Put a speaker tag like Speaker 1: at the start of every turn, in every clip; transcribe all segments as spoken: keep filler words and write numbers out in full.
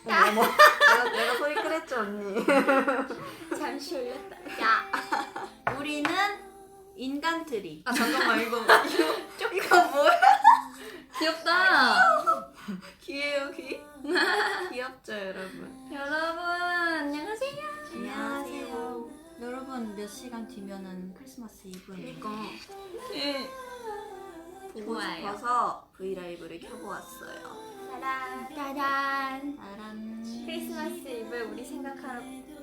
Speaker 1: 어머, 어머. 내가, 내가 소리 그랬죠 언니.
Speaker 2: 잠시 올렸다. 야, 우리는 인간트리.
Speaker 1: 아 잠깐만 이거 이거 이거 뭐야?
Speaker 3: 귀엽다.
Speaker 1: 귀예요 귀? 귀엽죠 여러분.
Speaker 3: 여러분 안녕하세요.
Speaker 2: 안녕하세요. 여러분 몇 시간 뒤면은 크리스마스 이브예요.
Speaker 1: 그러니까
Speaker 3: 네.
Speaker 1: 보고
Speaker 3: 좋아요.
Speaker 1: 싶어서 브이라이브를 켜보았어요.
Speaker 2: 짜란.
Speaker 3: 짜잔.
Speaker 2: 짜란.
Speaker 3: 크리스마스 이브에 우리 생각하러.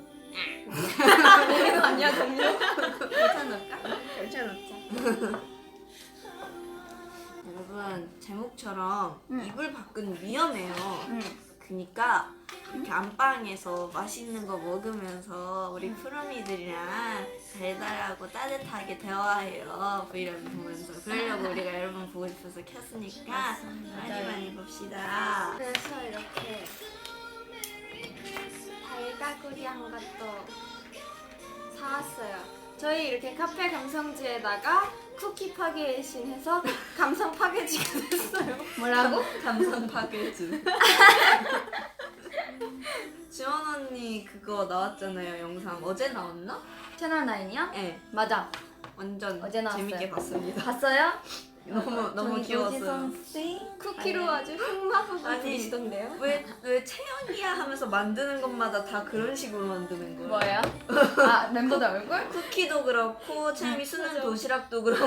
Speaker 2: 이거 아니야 정말? 괜찮을까?
Speaker 1: 괜찮았죠? 여러분 제목처럼
Speaker 3: 응.
Speaker 1: 이불 밖은 위험해요.
Speaker 3: 응.
Speaker 1: 그니까 이렇게 안방에서 맛있는 거 먹으면서 우리 푸르미들이랑 달달하고 따뜻하게 대화해요. 브이라이브 보면서. 그러려고 우리가 여러분 보고 싶어서 켰으니까 많이 많이 봅시다.
Speaker 3: 그래서 이렇게 달가구리한 것도 사왔어요. 저희 이렇게 카페 감성지에다가 쿠키 파괴신 해서 감성 파괴지가 됐어요. 뭐라고?
Speaker 1: 감성 파괴주. 지원 언니 그거 나왔잖아요 영상. 어제 나왔나?
Speaker 3: 채널 나인이요?
Speaker 1: 네.
Speaker 3: 맞아.
Speaker 1: 완전
Speaker 3: 어제 나왔어요.
Speaker 1: 재밌게 봤습니다.
Speaker 3: 봤어요?
Speaker 1: 너무 너무 귀여웠어요.
Speaker 3: 쿠키로 아주 흑마법을
Speaker 1: 아니,
Speaker 3: 부리시던데요?
Speaker 1: 왜 왜 채연이야 하면서 만드는 것마다 다 그런 식으로 만드는 거예요?
Speaker 3: 뭐예요? 아 멤버들 얼굴?
Speaker 1: 쿠키도 그렇고 채연이 수는 도시락도 그렇고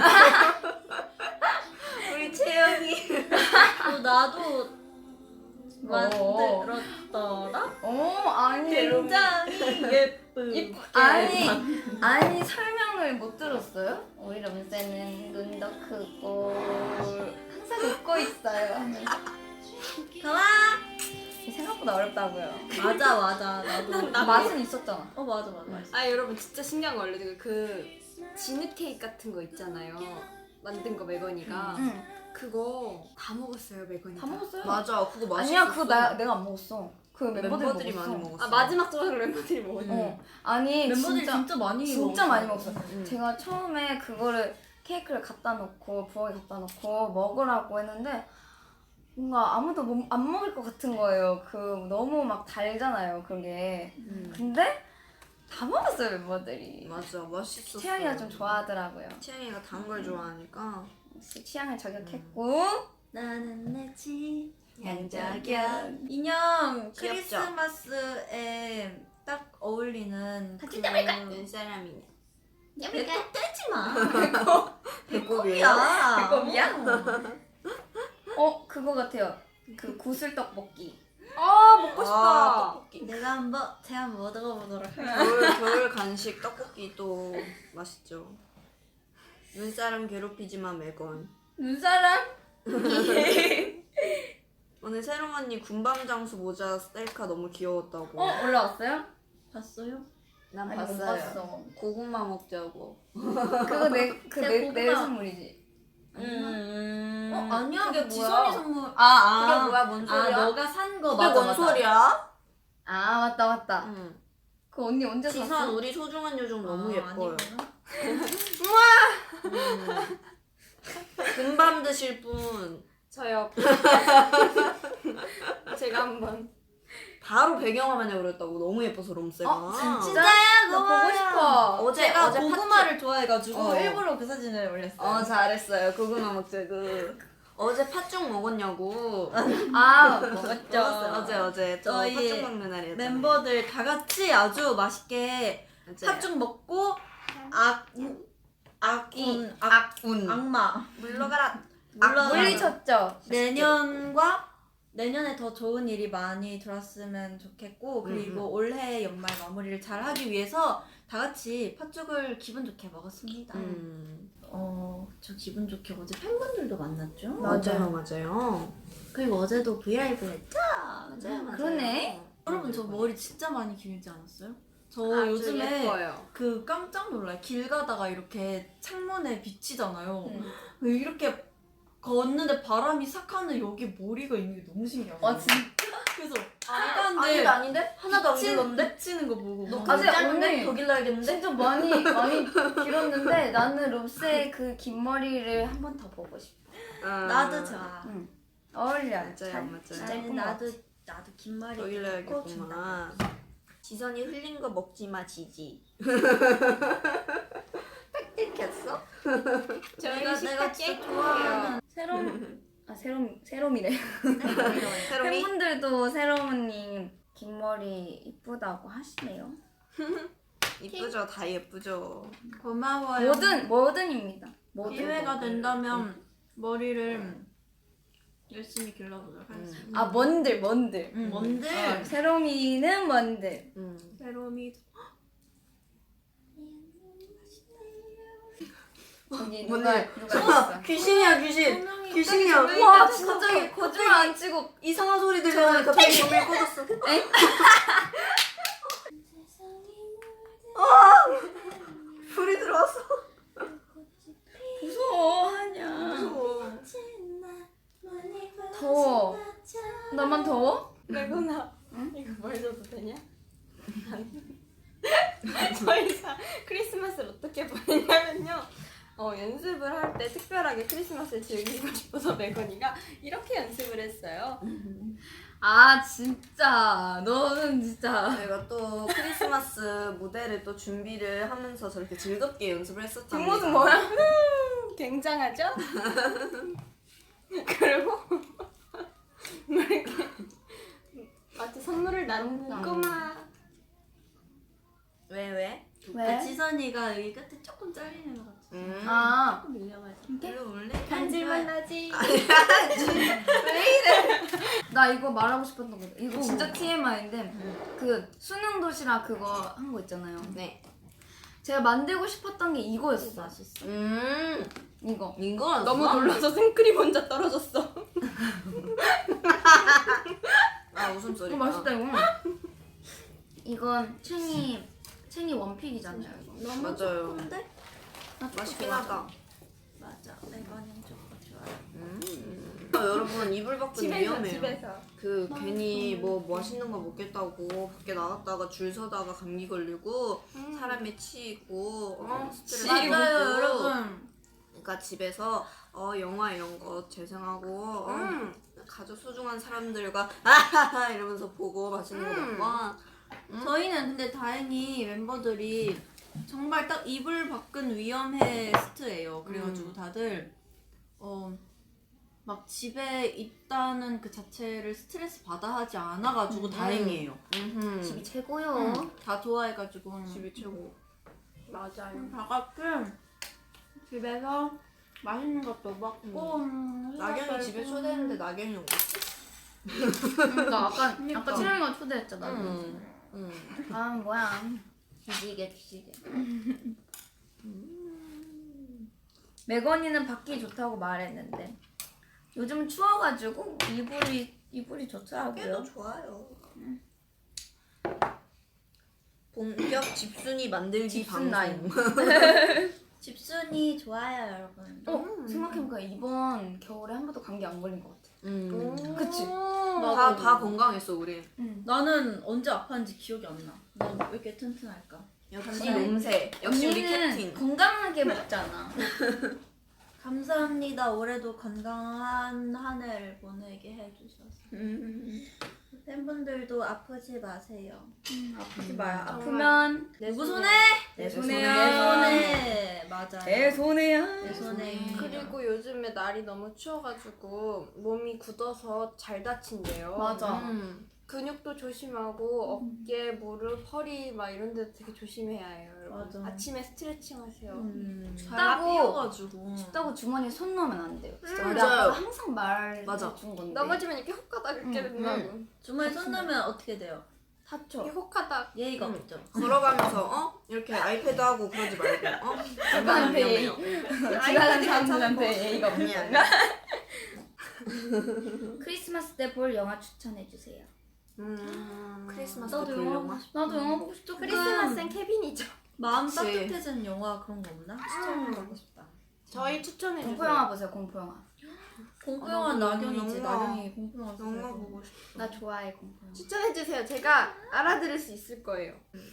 Speaker 1: 우리 채연이
Speaker 2: 어, 나도
Speaker 3: 뭐?
Speaker 2: 만들었더라?
Speaker 3: 어 아니
Speaker 2: 굉장히 예쁘.
Speaker 3: 이쁘 아니 아니 설명을 못 들었어요? 우리 럼세는 눈도 크고 항상 웃고 있어요 하면서
Speaker 2: 좋아.
Speaker 3: 생각보다 어렵다고요.
Speaker 2: 맞아 맞아 나도.
Speaker 3: 맛은 있었잖아.
Speaker 2: 어 맞아 맞아.
Speaker 4: 아 여러분 진짜 신기한 거 알려드릴게요. 그 진흙 케이크 같은 거 있잖아요. 만든 거 매건이가
Speaker 3: 응.
Speaker 4: 그거 다 먹었어요 매건이.
Speaker 3: 다 먹었어요.
Speaker 1: 맞아 그거 맛있었어.
Speaker 3: 아니야 그거 나 내가 안 먹었어. 그 멤버들이,
Speaker 1: 멤버들이
Speaker 3: 먹었어.
Speaker 1: 많이 먹었어.
Speaker 4: 아 마지막 조각을 멤버들이 먹었는데.
Speaker 3: 어 아니
Speaker 2: 멤버들이
Speaker 3: 진짜
Speaker 2: 진짜, 많이
Speaker 3: 진짜
Speaker 2: 먹었어.
Speaker 3: 많이 먹었어.
Speaker 1: 응.
Speaker 3: 제가 처음에 그거를 케이크를 갖다 놓고 부엌에 갖다 놓고 먹으라고 했는데 뭔가 아무도 못- 안 먹을 것 같은 거예요. 그 너무 막 달잖아요 그게.
Speaker 1: 음.
Speaker 3: 근데 다 먹었어요 멤버들이.
Speaker 1: 맞아 맛있었어.
Speaker 3: 채연이가 좀 좋아하더라고요.
Speaker 1: 채연이가 단 걸 좋아하니까.
Speaker 3: 역시 취향을 저격했고.
Speaker 2: 나는 내집
Speaker 3: 양자견.
Speaker 2: 인형
Speaker 1: 귀엽죠?
Speaker 2: 크리스마스에 딱 어울리는
Speaker 3: 같이
Speaker 2: 그
Speaker 3: 떠볼까?
Speaker 1: 눈사람이네.
Speaker 2: 배꼽 떼지 마.
Speaker 1: 배꼽이야?
Speaker 2: 야.
Speaker 3: 배꼽이야? 어 그거 같아요. 그 구슬 떡볶이.
Speaker 4: 아 먹고
Speaker 1: 아,
Speaker 4: 싶다.
Speaker 1: 떡볶이.
Speaker 2: 내가 한번 제가 한번 먹어보도록 할게요.
Speaker 1: 겨울 겨울 간식 떡볶이 또 맛있죠. 눈사람 괴롭히지만 매건.
Speaker 3: 눈사람?
Speaker 1: 오늘 새롱 언니 군밤 장수 모자 셀카 너무 귀여웠다고.
Speaker 3: 어 올라왔어요?
Speaker 2: 봤어요?
Speaker 1: 난
Speaker 3: 아니, 못
Speaker 1: 봤어요.
Speaker 3: 봤어.
Speaker 1: 고구마 먹자고.
Speaker 3: 그거 내 그
Speaker 2: 제
Speaker 3: 내 내
Speaker 2: 고구마-
Speaker 3: 선물이지.
Speaker 1: 음.
Speaker 2: 어 아니야
Speaker 3: 그게
Speaker 2: 그게
Speaker 3: 뭐야?
Speaker 2: 지선이 선물.
Speaker 1: 그게
Speaker 2: 아아
Speaker 1: 뭐야? 뭔 소리야?
Speaker 2: 아 너가 산 거
Speaker 1: 그게
Speaker 2: 맞아
Speaker 1: 뭔
Speaker 2: 맞아.
Speaker 1: 소리야?
Speaker 3: 아 맞다 맞다.
Speaker 1: 응.
Speaker 3: 그 언니 언제
Speaker 1: 지선
Speaker 3: 샀어?
Speaker 1: 우리 소중한 요정 너무
Speaker 2: 아,
Speaker 1: 예뻐요.
Speaker 2: 아니구나.
Speaker 1: 음. 군밤 드실 분
Speaker 4: 저요. 제가 한번.
Speaker 1: 바로 배경화면에 그렸다고. 너무 예뻐서 롬세가.
Speaker 3: 어, 진짜?
Speaker 2: 진짜야
Speaker 3: 나 보고 싶어.
Speaker 1: 어제
Speaker 2: 제가
Speaker 1: 어제
Speaker 2: 고구마를 좋아해가지고
Speaker 1: 어.
Speaker 2: 일부러 그 사진을 올렸어요.
Speaker 1: 어 잘했어요. 고구마 먹자고. 어제 팥죽 먹었냐고.
Speaker 3: 아 먹었죠.
Speaker 1: 어제 어제 저
Speaker 2: 저희
Speaker 1: 팥죽 먹는 날이었잖아요.
Speaker 2: 멤버들 다 같이 아주 맛있게
Speaker 1: 맞아요.
Speaker 2: 팥죽 먹고 악 악운 악
Speaker 1: 악운
Speaker 2: 악마
Speaker 1: 물러가라.
Speaker 2: 물러가라.
Speaker 3: 물리쳤죠.
Speaker 2: 내년과 내년에 더 좋은 일이 많이 들었으면 좋겠고 그리고
Speaker 1: 음,
Speaker 2: 올해 연말 마무리를 잘 하기 위해서 다 같이 팥죽을 기분 좋게 먹었습니다.
Speaker 1: 음
Speaker 2: 어, 저 기분 좋게 어제 팬분들도 만났죠?
Speaker 1: 맞아요 맞아요.
Speaker 2: 그리고 어제도 브이라이브 했죠?
Speaker 1: 맞아요 맞아요.
Speaker 3: 그러네.
Speaker 2: 여러분 저 머리 진짜 많이 길지 않았어요? 저
Speaker 4: 아주
Speaker 2: 요즘에
Speaker 4: 예뻐요.
Speaker 2: 그 깜짝 놀라요. 길 가다가 이렇게 창문에 비치잖아요.
Speaker 3: 응.
Speaker 2: 이렇게 걷는데 바람이 싹 하는 여기 머리가 있는 게 너무 신기한 거예요.
Speaker 3: 아 진짜?
Speaker 2: 그래서
Speaker 1: 아닌데
Speaker 2: 사람들
Speaker 1: 아닌데 하나도 안
Speaker 2: 비치-
Speaker 1: 길었는데?
Speaker 2: 비치는 거 보고
Speaker 1: 너
Speaker 2: 막
Speaker 3: 아직
Speaker 1: 짧은데
Speaker 3: 언니.
Speaker 1: 더 길러야겠는데?
Speaker 3: 진짜 많이 많이 길었는데 나는 롭스의 그 긴 머리를 한 번 더 보고 싶어.
Speaker 1: 아,
Speaker 2: 나도 좋아.
Speaker 3: 응. 어울려.
Speaker 1: 맞아요,
Speaker 3: 잘,
Speaker 1: 맞아요.
Speaker 3: 잘
Speaker 2: 나는
Speaker 3: 예쁜 것
Speaker 2: 나도
Speaker 3: 같아.
Speaker 2: 나도 긴 머리
Speaker 1: 여기를
Speaker 2: 꼭 준다.
Speaker 1: 해야겠구만. 지선이 흘린 거 먹지 마 지지. 딱 들켰어?
Speaker 2: 내가 내가 진짜 좋아하는 새로운
Speaker 3: 아 세롬 세롬이래.
Speaker 1: 새롬이?
Speaker 3: 팬분들도 세롬님 긴 머리 이쁘다고 하시네요.
Speaker 1: 이쁘죠? 다 예쁘죠.
Speaker 2: 고마워요.
Speaker 3: 뭐든 뭐든입니다. 뭐든.
Speaker 2: 기회가 된다면 머리를 열심히 길러보도록 하겠습니다.
Speaker 3: 아 뭔들 뭔들.
Speaker 2: 응, 뭔들
Speaker 3: 어, 세롬이는 뭔들.
Speaker 1: 음.
Speaker 2: 새롬이
Speaker 3: 여기
Speaker 1: 뭔데?
Speaker 3: 누가 누가 있어?
Speaker 1: 귀신이야 귀신. 귀신이야.
Speaker 3: 와 진짜 거짓말 안 치고
Speaker 1: 이상한 소리 들려. 갑자기 조명 꺼졌어. 불이 들어왔어.
Speaker 3: 무서워 하냐.
Speaker 1: 무서워.
Speaker 3: 더워. 나만 더워?
Speaker 4: 레고나 이거 보여줘도 되냐? 저희가 크리스마스를 어떻게 보내냐면요. 어, 연습을 할 때 특별하게 크리스마스를 즐기고 싶어서 메건이가 이렇게 연습을 했어요.
Speaker 3: 아 진짜 너는 진짜.
Speaker 1: 저희가 또 크리스마스 무대를 또 준비를 하면서 저렇게 즐겁게 연습을 했었답니다.
Speaker 4: 뒷모습 뭐야? 음, 굉장하죠? 그리고 뭐 이렇게 마치 선물을 나누는 꼬마.
Speaker 1: 왜 왜?
Speaker 3: 왜?
Speaker 2: 지선이가 여기 끝에 조금 잘리는 것 같아.
Speaker 1: 음.
Speaker 3: 아
Speaker 2: 조금 밀려가지고.
Speaker 1: 이거 원래
Speaker 4: 간질만 나지.
Speaker 3: 나 이거 말하고 싶었던 거. 이거 진짜 티엠아이인데 그 수능 도시락 그거 한 거 있잖아요.
Speaker 1: 네.
Speaker 3: 제가 만들고 싶었던 게 이거였어.
Speaker 2: 맛있어.
Speaker 1: 음.
Speaker 3: 이거.
Speaker 1: 이거
Speaker 4: 너무 놀라서 생크림 혼자 떨어졌어.
Speaker 1: 아 웃음소리.
Speaker 3: 이거 맛있다 이거. 이건 챙이 챙이 원픽이잖아요. 이거.
Speaker 2: 너무
Speaker 1: 맞아요.
Speaker 2: 좋은데?
Speaker 3: 나 초코
Speaker 1: 맛있긴
Speaker 3: 좋아하잖아.
Speaker 1: 하다.
Speaker 2: 맞아. 이거는 조금 좋아요.
Speaker 1: 음. 아, 여러분 이불 밖은
Speaker 4: 집에서
Speaker 1: 위험해요.
Speaker 4: 집에서.
Speaker 1: 그 괜히 뭐 맛있는 거 먹겠다고 밖에 나갔다가 줄 서다가 감기 걸리고
Speaker 4: 음.
Speaker 1: 사람이 치이고 어, 스트레스
Speaker 2: 맞아요,
Speaker 1: 받고.
Speaker 2: 여러분.
Speaker 1: 그러니까 집에서 어 영화 이런 거 재생하고 어,
Speaker 4: 음.
Speaker 1: 가족 소중한 사람들과 아하하 이러면서 보고 맛있는 거
Speaker 4: 음.
Speaker 1: 먹고
Speaker 2: 저희는 근데 다행히 멤버들이 정말 딱 이불 밖은 위험해 스트예요. 그래가지고
Speaker 1: 음.
Speaker 2: 다들 어 막 집에 있다는 그 자체를 스트레스 받아 하지 않아가지고 다행이에요.
Speaker 1: 음흠.
Speaker 3: 집이 최고요.
Speaker 2: 응, 다 좋아해가지고
Speaker 1: 집이 최고.
Speaker 4: 맞아요.
Speaker 2: 다 같이 집에서 맛있는 것도 먹고 음,
Speaker 1: 낙연이 집에 초대했는데 낙연이 오고.
Speaker 3: 그러니까 아까
Speaker 2: 그러니까.
Speaker 3: 아까 채령이가 초대했잖아.
Speaker 1: 음. 음.
Speaker 3: 아 뭐야. 뒤지게 뒤지게. 메건이는 밖이 좋다고 말했는데 요즘 추워가지고 이불이 이불이
Speaker 1: 꽤도
Speaker 3: 좋더라고요.
Speaker 1: 좋아요. 본격 집순이 만들기
Speaker 3: 집순
Speaker 1: 방송.
Speaker 2: 집순이 좋아요, 여러분.
Speaker 3: 어 생각해보니까 이번 겨울에 한 번도 감기 안 걸린 것 같아.
Speaker 1: 음.
Speaker 3: 그치?
Speaker 1: 다, 다 건강했어 우리.
Speaker 2: 나는 언제 아팠는지 기억이 안 나. 난 왜 이렇게 튼튼할까?
Speaker 1: 역시
Speaker 3: 감사해.
Speaker 1: 놈새. 역시 우리
Speaker 3: 언니는
Speaker 1: 캡틴.
Speaker 3: 건강하게 먹잖아.
Speaker 2: 감사합니다. 올해도 건강한 한 해를 보내게 해주셔서. 팬분들도 아프지 마세요.
Speaker 3: 아프지 마요.
Speaker 2: 정말.
Speaker 3: 아프면
Speaker 2: 누구 손에?
Speaker 3: 내
Speaker 2: 내
Speaker 3: 손에요.
Speaker 2: 손에. 맞아요.
Speaker 3: 내 손에야.
Speaker 2: 내 손에.
Speaker 4: 그리고 요즘에 날이 너무 추워가지고 몸이 굳어서 잘 다친대요.
Speaker 3: 맞아.
Speaker 1: 음.
Speaker 4: 근육도 조심하고 어깨, 무릎, 허리 막 이런 데 되게 조심해야 해요. 여러분.
Speaker 2: 맞아.
Speaker 4: 아침에 스트레칭 하세요.
Speaker 2: 음,
Speaker 3: 춥다고.
Speaker 2: 삐어가지고.
Speaker 3: 춥다고 주머니에 손 넣으면 안 돼요. 진짜
Speaker 1: 음,
Speaker 3: 우리
Speaker 1: 맞아요.
Speaker 3: 아빠가 항상
Speaker 1: 맞아.
Speaker 3: 말해준 건데.
Speaker 4: 넘어지면 이렇게 헛가닥 이렇게
Speaker 3: 음,
Speaker 4: 된다고.
Speaker 2: 주머니 손 넣으면 어떻게 돼요?
Speaker 3: 다쳐.
Speaker 4: 이렇게 헛가닥.
Speaker 2: 예의가
Speaker 1: 음.
Speaker 2: 없죠.
Speaker 1: 걸어가면서 어 이렇게 아이패드 하고 그러지 말고 어
Speaker 3: 누구한테 예의.
Speaker 1: 위험해요.
Speaker 3: 지나가는 사람들한테 예의가 없는
Speaker 1: 아니야.
Speaker 3: 건가? 크리스마스 때 볼 영화 추천해 주세요.
Speaker 1: 음. 크리스마스
Speaker 2: 나도
Speaker 1: 때
Speaker 2: 영화
Speaker 1: 볼
Speaker 2: 보고
Speaker 1: 영화.
Speaker 2: 싶어.
Speaker 3: 나도 영화 보고 싶다.
Speaker 4: 크리스마스엔 케빈이죠.
Speaker 2: 마음
Speaker 1: 그치.
Speaker 2: 따뜻해지는 영화 그런 거 없나?
Speaker 3: 추천하고 싶다.
Speaker 4: 저희 추천해주세요.
Speaker 3: 공포 영화 보세요. 공포 영화.
Speaker 2: 공포
Speaker 1: 아,
Speaker 2: 영화
Speaker 1: 나도
Speaker 2: 낙연이지.
Speaker 1: 영화.
Speaker 2: 낙연이 공포 영화
Speaker 1: 영화
Speaker 2: 좋아해서.
Speaker 1: 보고 싶어.
Speaker 3: 나 좋아해 공포 영화.
Speaker 4: 추천해주세요. 제가 알아들을 수 있을 거예요.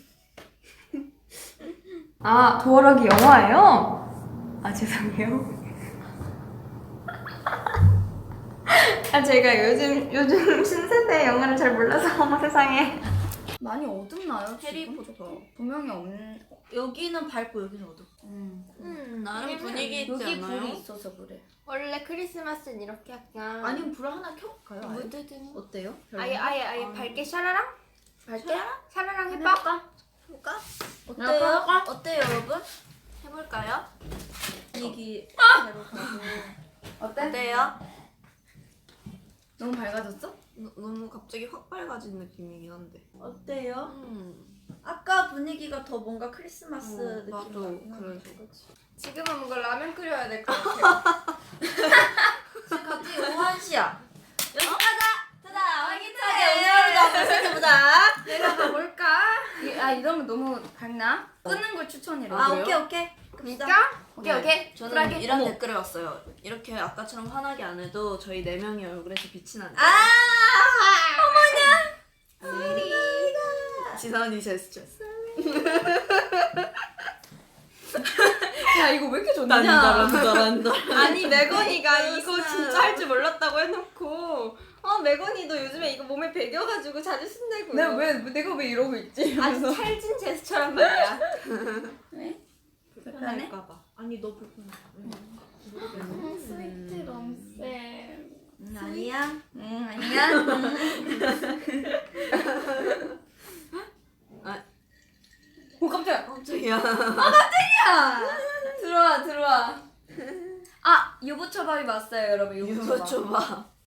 Speaker 3: 아 도어락이 영화예요? 아 죄송해요.
Speaker 4: 아 제가 요즘 요즘 신세대 영화를 잘 몰라서 어머 세상에.
Speaker 3: 많이 어둡나요?
Speaker 1: 해리포터.
Speaker 3: 지금? 조명이 없는.
Speaker 2: 여기는 밝고 여기는 어둡고.
Speaker 3: 음.
Speaker 1: 음 나름
Speaker 4: 왜냐면
Speaker 1: 분위기 있지
Speaker 3: 여기
Speaker 1: 않아요?
Speaker 3: 불이 있어서 그래.
Speaker 4: 원래 크리스마스는 이렇게 약간
Speaker 2: 아니면 불 하나 켜볼까요? 아예?
Speaker 4: 무드든
Speaker 2: 어때요?
Speaker 4: 아예 아예 아예
Speaker 3: 아.
Speaker 4: 밝게 샤라랑
Speaker 1: 밝게?
Speaker 4: 샤라랑 해봐.
Speaker 1: 해볼까?
Speaker 2: 어때요?
Speaker 1: 어때요 여러분? 해볼까요?
Speaker 2: 분위기 대로 가고.
Speaker 3: 어때?
Speaker 1: 어때요?
Speaker 3: 너무 밝아졌어?
Speaker 1: 너, 너무 갑자기 확 밝아진 느낌이긴 한데.
Speaker 2: 어때요?
Speaker 1: 음.
Speaker 2: 아까 분위기가 더 뭔가 크리스마스
Speaker 1: 어,
Speaker 2: 느낌
Speaker 1: 나도
Speaker 2: 나긴 하네.
Speaker 1: 그래서.
Speaker 4: 지금은 뭔가 라면 끓여야 될 것 같아.
Speaker 2: 지금 갑자기 오한 시야.
Speaker 1: 여기 가자! 자자 활기차게 음료를 한번 시켜보자.
Speaker 3: 내려가 볼까? 이- 아 이러면 너무 밝나? 끄는 걸 추천해요.
Speaker 1: 아,
Speaker 2: 그래요?
Speaker 1: 오케이 오케이. 갑시다.
Speaker 3: 오케이
Speaker 1: 네.
Speaker 3: 오케이.
Speaker 1: 저는
Speaker 3: 쿨하게.
Speaker 1: 이런
Speaker 3: 어머.
Speaker 1: 댓글을 왔어요. 이렇게 아까처럼 환하게 안 해도 저희 네 명의 얼굴에서 빛이 난다.
Speaker 3: 아
Speaker 1: 지선이 제스처.
Speaker 4: 야 이거 왜 이렇게 좋냐?
Speaker 1: 난다.
Speaker 4: 아니 메건이가 이거
Speaker 1: 그렇구나.
Speaker 4: 진짜 할 줄 몰랐다고 해놓고 어 메건이도 요즘에 이거 몸에 배겨가지고 자주 쓴다고.
Speaker 3: 내가 왜 내가 왜 이러고 있지?
Speaker 4: 아주 찰진 제스처란 말이야.
Speaker 3: 왜?
Speaker 2: 불편할까봐. 아니 너 불편해.
Speaker 3: 스위트 럼쌤.
Speaker 2: 응, 아니야.
Speaker 3: 응 아니야.
Speaker 1: 아.
Speaker 3: 오 깜짝이야.
Speaker 1: 깜짝이야.
Speaker 3: 들어와 들어와. 아 유부초밥이 왔어요 여러분. 유부초밥.
Speaker 1: 유부초밥.